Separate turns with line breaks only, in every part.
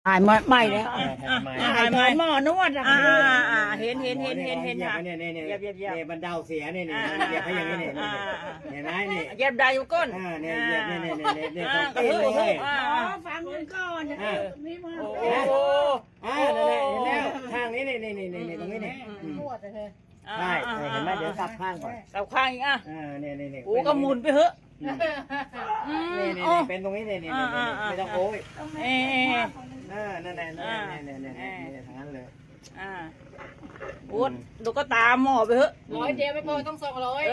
หายไม่แล้ว
หายไหม
หมอนวดอะ
เห็นค่ะ
เนี่ยบรรเทาเสียเนี่ยเหยียบให้อย่างนี้เนี่ยเห็นไหมนี่
เหยียบได้อยู่ก้น
เนี่ยเหยียบเนี่ยต้องตีเลย
ฟังกันก่อนนี่มา
โอ้โห
นั่นแหละเห็นแล้วทางนี้นี่ตรงนี้นี่
ปวดเลย
ใช่เห็นไหมเดี๋ยวกลับข้างก่อน
กับข้างอีกอ่ะ
เนี่ย
โอ้ก็หมุนไปเถอะ
นี่เป็นตรงนี้นี่ไม่ต้องโอ้ย นั่นแหละทางนั้นเลย
โอ้ดูก็ตามหมอไปเถอะ
100เดียวไม่พอต้อง200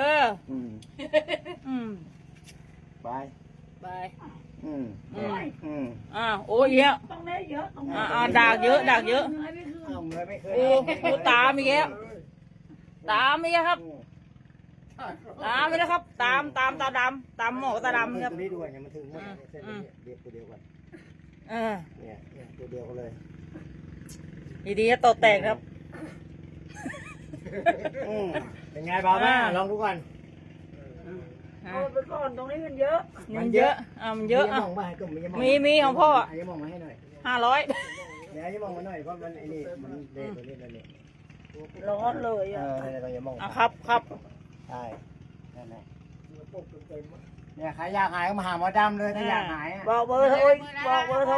ไป
ไป
โ
โอ้ยเยอะ
ต้องได้เยอะต้อง
ดากเยอะ
อาเงินไม่เคย
โอ้ตามอีกแล้วตามอีกแล้วครับตามไปแล้วครับตามตาดำตามหมอตาดำครับ
ตัวนี้ด้วยเนี่ยมันถึงหมดเส้นนี้เดียวตัวเดียวกันเนี่ยตัวเดียวกันเลย
ดีๆจะตกแตกครับ
เป็นไงบ้างลองดูก่อน
เอาไปก่อนตรงนี้มันเยอะ
มันเยอะมันเยอะ
มองมาให้ก็
มีของพ่อ
อย่ามองมาให้หน่อย
500
เดี๋ยวอย่ามองมาหน่อยเพราะมันไอ้นี่มันเด็กตัวนี้ตัวนี้
ร้อนเลยอ่ะ
เราอย่ามอง
ครับ
ใช่นั่นแหละเนี่ยใครอยากหายก็มาหาหมอดำเลยถ้าอยากหาย
บอกเบอร์โทรบอกเบอร์โทร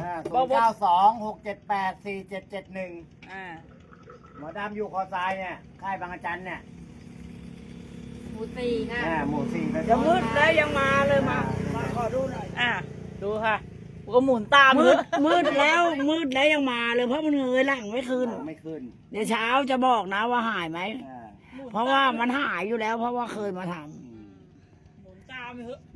0926784771หมอดำอยู่คอทรายเนี่ยค่ายบางอาจารย์เนี่ย
หมู่4ค่ะ
หมู่4เลย
ยังมืดแล้วยังมาเลยมาขอดูหน่อย
ดูค่ะก็หมุนตาม
มืดแล้วยังมาเลยเพราะมันเงยหลังไม่คืน
ไม่ขึ้น
เดี๋ยวเช้าจะบอกนะว่าหายไหมเพราะว่ามันหายอยู่แล้ว เพราะว่าเคยมาทำ
หมุนตามไปเถอะ